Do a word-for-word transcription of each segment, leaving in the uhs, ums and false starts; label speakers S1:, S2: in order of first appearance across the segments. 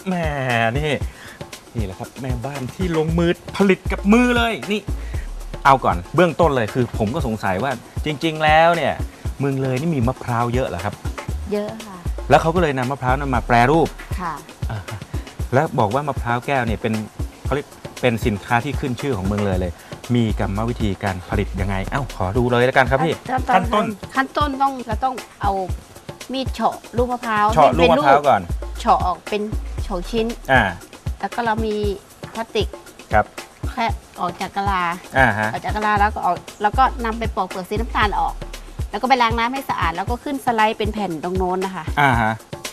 S1: แหมนี่นี่แหละครับแม่บ้านที่ลงมือผลิตกับมือเลยนี่เอาก่อนเบื้องต้นเลยคือผมก็สงสัยว่าจริงๆแล้วเนี่ยเมืองเลยนี่มีมะพร้าวเยอะเหรอครับ
S2: เยอะค่ะ
S1: แล้วเขาก็เลยนำมะพร้าวนั้นมาแปรรูป
S2: ค่ะ
S1: แล้วบอกว่ามะพร้าวแก้วเนี่ยเป็นเขาเรียกเป็นสินค้าที่ขึ้นชื่อของเมืองเลยเลยมีกรรมวิธีการผลิตยังไงเอ้าขอดูเลยแล้วกันครับพี่ขั้นต้น
S2: ขั้นต้นต้องเราต้องเอามีดเฉาะลูกมะพร้าว
S1: เฉาะลูกมะพร้าวก่อน
S2: เฉาะออกเป็นเฉาะชิ้น
S1: อ่า
S2: แล้วก็เรามีพลาสติก
S1: ครับ
S2: แค่ออกจากกะลา
S1: อ่าฮะ
S2: ออกจากกะลาแล้วก็ออกแล้วก็นำไปปอกเปลือกสีน้ำตาลออกแล้วก็ไปล้างน้ำให้สะอาดแล้วก็ขึ้นสไลด์เป็นแผ่นตรงโน้นนะคะ
S1: อ่าฮะ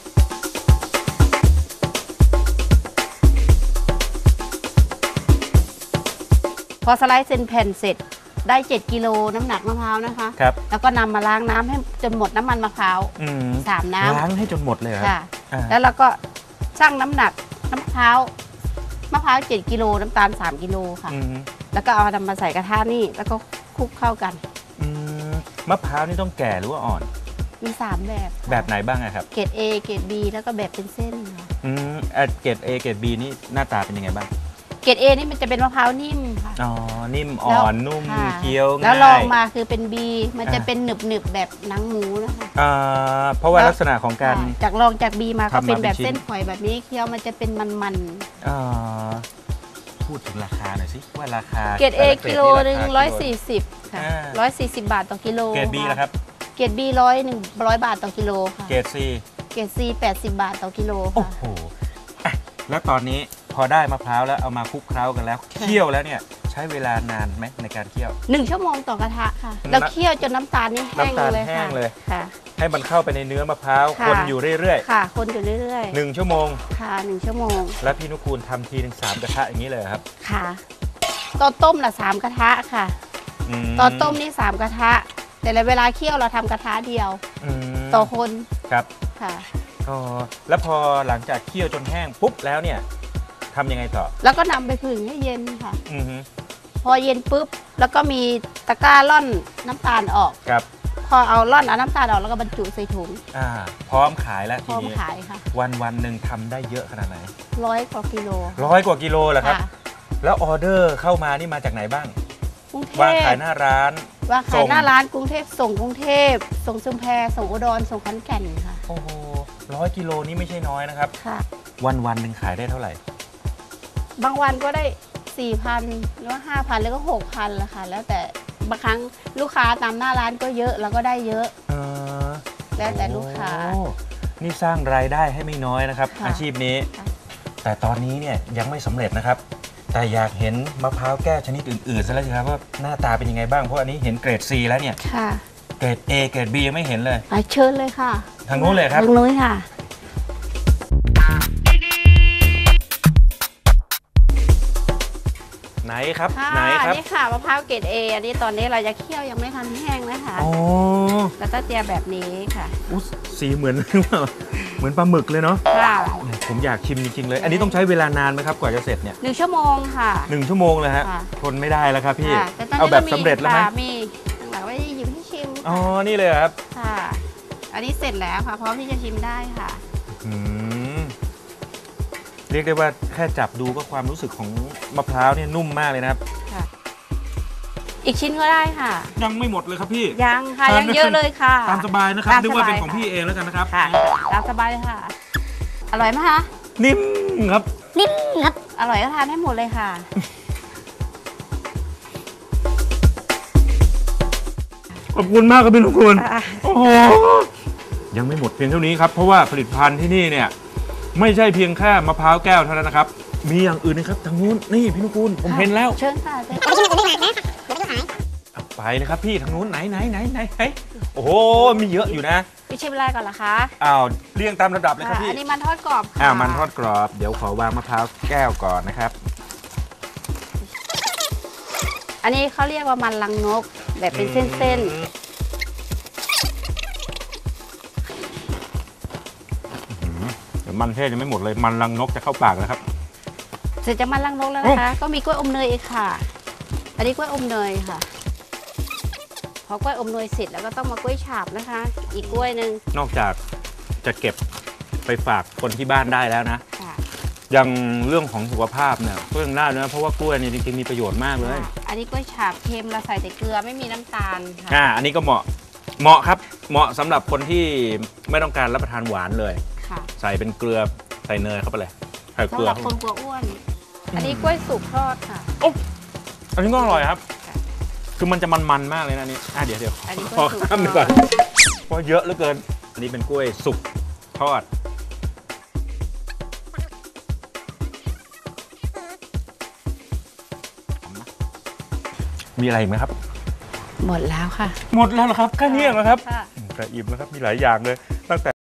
S2: พอสไลด์เส้นแผ่นเสร็จได้เจ็ดกิโลน้ำหนักมะพร้าวนะคะ
S1: ครับ
S2: แล้วก็นำมาล้างน้ำให้จนหมดน้ำมันมะพร้าวสามน้ำ
S1: ล้างให้จนหมดเลย
S2: ค่ะแล้วเราก็ชั่งน้ำหนักน้ำมะพร้าวมะพร้าวเจ็ดกิโลน้ำตาลสามกิโลค่ะแล้วก็เอานำมาใส่กระทะนี่แล้วก็คลุกเข้ากัน
S1: มะพร้าวนี่ต้องแก่หรือว่าอ่อน
S2: มีสามแบบ
S1: แบบไหนบ้างครับ
S2: เกรด A เกรด B แล้วก็แบบเป็นเส้นค่ะ
S1: อืมเกรด A เกรด B นี่หน้าตาเป็นยังไงบ้าง
S2: เกรด A นี่มันจะเป็นมะพร้าวนิ่มค่ะ
S1: อ๋อนิ่มอ่อนนุ่มเคี้ยวง่าย
S2: แล้วลองมาคือเป็น B มันจะเป็นหนึบหนึบแบบหนังหมูนะคะ
S1: อ่าเพราะว่าลักษณะของการ
S2: จากลองจาก B มาก็เป็นแบบเส้นฝอยแบบนี้เคี้ยวมันจะเป็นมัน
S1: ๆอ่าพูดถึงราคาหน่อยสิว่าราคา
S2: เกรด A กิโลหนึ่งร้อยสี่สิบค่ะร้อยสี่สิบบาทต่อกิโล
S1: เกรด B ล่ะครับ
S2: เกรด B ร้อยหนึ่งร้อยบาทต่อกิโลค่ะ
S1: เกรด C
S2: เกรด C แปดสิบบาทต่อกิโล
S1: โอ้โหแล้วตอนนี้พอได้มะพร้าวแล้วเอามาคลุกเคล้ากันแล้วเคี่ยวแล้วเนี่ยใช้เวลานานไหมในการเคี่ยว
S2: หนึ่งชั่วโมงต่อกระทะค่ะแล้วเคี่ยวจนน้ำตาลนี่แห้งเลยค่ะค่ะ
S1: ให้มันเข้าไปในเนื้อมะพร้าวคนอยู่เรื่อย
S2: ๆค่ะคนอยู่เรื่อย
S1: ๆหนึ่งชั่วโมง
S2: ค่ะหนึ่งชั่วโมง
S1: แล้วพี่นุกูลทำทีหนึ่งสามกระทะอย่างนี้เลยครับ
S2: ค่ะตอนต้มละสามกระทะค่ะตอนต้มนี่สามกระทะแต่ในเวลาเคี่ยวเราทำกระทะเดียวต่อคน
S1: ครับ
S2: ค่ะ
S1: อ๋อแล้วพอหลังจากเคี่ยวจนแห้งปุ๊บแล้วเนี่ยทำยังไงต่อ
S2: แล้วก็นำไปผึ่งให้เย็นค่ะพอเย็นปุ๊บแล้วก็มีตะกร้าล่อนน้ำตาลออก
S1: ครับ
S2: พอเอาล่อนเอาน้ำตาลออกแล้วก็บรรจุใส่ถุง
S1: อ่าพร้อมขายแล้วทีนี้
S2: พร้อมขายค่ะ
S1: วันวันหนึ่งทำได้เยอะขนาดไหน
S2: ร้อยกว่ากิโล
S1: ร้อยกว่ากิโลเหรอครับแล้วออเดอร์เข้ามานี่มาจากไหนบ้างวางขายหน้าร้าน
S2: วางขายหน้าร้านกรุงเทพส่งกรุงเทพส่งชุมแพส่งอุดรส่งขอนแก่นค่ะ
S1: โอ้โหร้อยกิโลนี่ไม่ใช่น้อยนะครับ
S2: ค่ะ
S1: วันวันหนึ่งขายได้เท่าไหร่
S2: บางวันก็ได้ สี่พัน หรือว่า ห้าพัน แล้วก็ หกพัน ละค่ะแล้วแต่บางครั้งลูกค้าตามหน้าร้านก็เยอะแล้วก็ได้เยอะ
S1: เออ
S2: แล้วแต่ลูกค้า
S1: นี่สร้างรายได้ให้ไม่น้อยนะครับอาชีพนี้แต่ตอนนี้เนี่ยยังไม่สำเร็จนะครับแต่อยากเห็นมะพร้าวแก้วชนิดอื่นๆซะแล้วสิครับว่าหน้าตาเป็นยังไงบ้างเพราะอันนี้เห็นเกรด C แล้วเนี่ยเกรด A เกรด B ยังไม่เห็นเลย
S2: เชิญเลยค่ะ
S1: ทางนู้นเลยครับ
S2: ทางนู้นค่ะ
S1: ไหนครับไหนครับ
S2: นี่ค่ะมะพร้าวเกรด A อันนี้ตอนนี้เราจะเคี่ยวยังไม่ทันแห้งนะคะ
S1: อ๋อ
S2: แล้วก็เจียแบบนี้ค่ะ
S1: อุ๊ยสีเหมือนเหมือนปลาหมึกเลยเนาะค่ะผมอยากชิมจริงๆเลยอันนี้ต้องใช้เวลานานไหมครับกว่าจะเสร็จเนี่ย
S2: หนึ่งชั่วโมงค่ะ
S1: หนึ่งชั่วโมงเลยฮะทนไม่ได้แล้วครับพี่เอาแบบสำเร็จแล้วไหม
S2: มีหลังไว้หยิบให้ชิม
S1: อ๋อนี่เลยครับ
S2: ค่ะอันนี้เสร็จแล้วค่ะพร้อมที่จะชิมได้ค่ะ
S1: อืมเรียกได้ว่าแค่จับดูก็ความรู้สึกของมะพร้าวเนี่ยนุ่มมากเลยนะครับ
S2: อีกชิ้นก็ได้ค่ะ
S1: ยังไม่หมดเลยครับพี่
S2: ยังค่ะยังเยอะเลยค่ะ
S1: ตามสบายนะครับนึกว่าเป็นของพี่เองแล้วกันนะครับ
S2: ค่ะตามสบายเลยค่ะอร่อยไหมคะ
S1: นิ่มครับ
S2: นิ่มครับอร่อยก็ทานให้หมดเลยค่ะ
S1: ขอบคุณมากครับพี่นุกูลโอ้โหยังไม่หมดเพียงเท่านี้ครับเพราะว่าผลิตภัณฑ์ที่นี่เนี่ยไม่ใช่เพียงแค่มะพร้าวแก้วเท่านั้นนะครับมีอย่างอื่นนะครับทางนู้นนี่พี่นุกูลผมเห็นแล้ว
S2: เชิญค่ะ
S1: ไปเลยครับพี่ทางนู้นไหนไหนไหนไหนโอ้โหมีเยอะอยู่นะ
S2: พี่ชิมอะไรก่อนล่ะคะ
S1: อ้าวเรียงตามระดับเลยครับพี่
S2: อันนี้มันทอดกรอบ
S1: อ้าวมันทอดกรอบเดี๋ยวขอวางมะพร้าวแก้วก่อนนะครับ
S2: อันนี้เขาเรียกว่ามันลังนกแบบเป็นเส้นๆ
S1: เดี๋ยวมันเทศยังไม่หมดเลยมันลังนกจะเข้าปากแล้วครับ
S2: เสร็จจากมันลังนกแล้วนะคะก็มีกล้วยอมเนยอีกค่ะอันนี้กล้วยอมเนยค่ะพอกล้วยอมเนยเสร็จแล้วก็ต้องมากล้วยฉาบนะคะอีกกล้วยหนึ่ง
S1: นอกจากจะเก็บไปฝากคนที่บ้านได้แล้วนะอย่างเรื่องของสุขภาพเนี่ยก็ยังได้นะเพราะว่ากล้วยนี่จริงๆมีประโยชน์มากเลย
S2: อันนี้กล้วยฉาบเค็มเราใส่แต่เกลือไม่มีน้ำตาลค่ะ
S1: อ่าอันนี้ก็เหมาะเหมาะครับเหมาะสำหรับคนที่ไม่ต้องการรับประทานหวานเลย
S2: ค่ะ
S1: ใส่เป็นเกลือใส่เนยเข้าไปเลยใส่เก
S2: สำ
S1: ลื
S2: ห
S1: อ
S2: รับคนกลัวอ้วน อันนี้กล้วยสุกทอดค่ะ
S1: โอ้อันนี้ก็อร่อยครับ
S2: ค่ะ
S1: คือมันจะมันๆมากเลยนะนี่อ่ะเดี๋ยวเดี๋ยว
S2: อันนี้ก
S1: ข
S2: ล้
S1: อ
S2: วยสุก
S1: ข้ามหนึ่ง
S2: ท
S1: ก่
S2: อ
S1: อน
S2: ด
S1: เพราะเยอะเหลือเกิน อันนี้เป็นกล้วยสุกทอดมีอะไรอีกไหมครับ
S2: หมดแล้วค่ะ
S1: หมดแล้วเหรอครับแค่นี้เหรอครับ
S2: ค่ะ
S1: กระอิ่มแล้วครับมีหลายอย่างเลยตั้งแต่